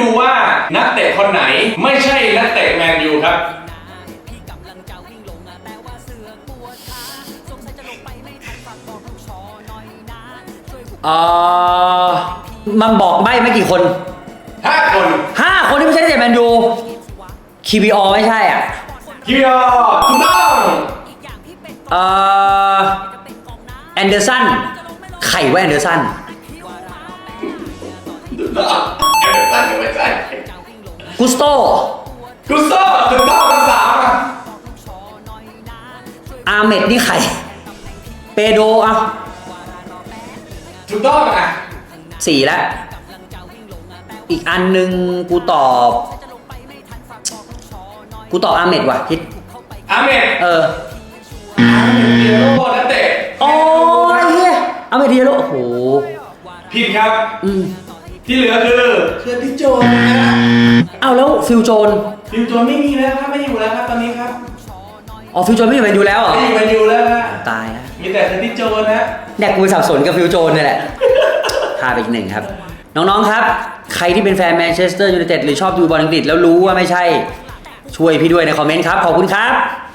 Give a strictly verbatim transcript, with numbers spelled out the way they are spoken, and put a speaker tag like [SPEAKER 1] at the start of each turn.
[SPEAKER 1] ดูว่านักเตะคนไหนไม่ใช่นักเตะแมนยูครับ
[SPEAKER 2] เอ่อมันบอกใบ้ไม่กี่คน
[SPEAKER 1] ห้าคน
[SPEAKER 2] ห้าคนที่ไม่ใช่นักเตะแมนยูคีบีอไม่ใช่อ่ะ
[SPEAKER 1] คิวถูกต้อง
[SPEAKER 2] เอ่อแอนเดอร์สันไข่ว่าแอนเดอร์สัน
[SPEAKER 1] แอนเดอร์สันไม่ใช่
[SPEAKER 2] กุสโต
[SPEAKER 1] กุสโตถูกต้องภาษาอ่ะ
[SPEAKER 2] อาเมดนี่ไข่เปโดอ่ะ
[SPEAKER 1] ถูกต้องอ่ะ
[SPEAKER 2] สี่แล้วอีกอันหนึ่งกูตอบกูตอบอาเมดว่ะคิด
[SPEAKER 1] อาเมด
[SPEAKER 2] เออ
[SPEAKER 1] อาเมดเดียโร่นักเตะ
[SPEAKER 2] โอ้ยเฮียอาเมดเดียโร่โอ้โห
[SPEAKER 1] ผิดครับ
[SPEAKER 2] อืม
[SPEAKER 1] ที่เหลือคือเคอร์ติสโจนนะ
[SPEAKER 2] เอาแล้วฟิลโจน
[SPEAKER 1] ฟิลโจนไม่มีแล้วครับไม่อยู่แล้วครับตอนนี้ครับ
[SPEAKER 2] อ๋อฟิลโจนไม่อยู่แมนยูแล้วเหรอ
[SPEAKER 1] ไม่อยู่แมนยูแล้วฮะ
[SPEAKER 2] ตายแล้ว
[SPEAKER 1] มีแต่เคอร์ติสโจนนะ
[SPEAKER 2] แดกกูสับสนกับฟิลโจนนี่แหละพาไปอีกหนึ่งครับน้องๆครับใครที่เป็นแฟนแมนเชสเตอร์ยูไนเต็ดหรือชอบดูบอลอังกฤษแล้วรู้ว่าไม่ใช่ช่วยพี่ด้วยในคอมเมนต์ครับขอบคุณครับ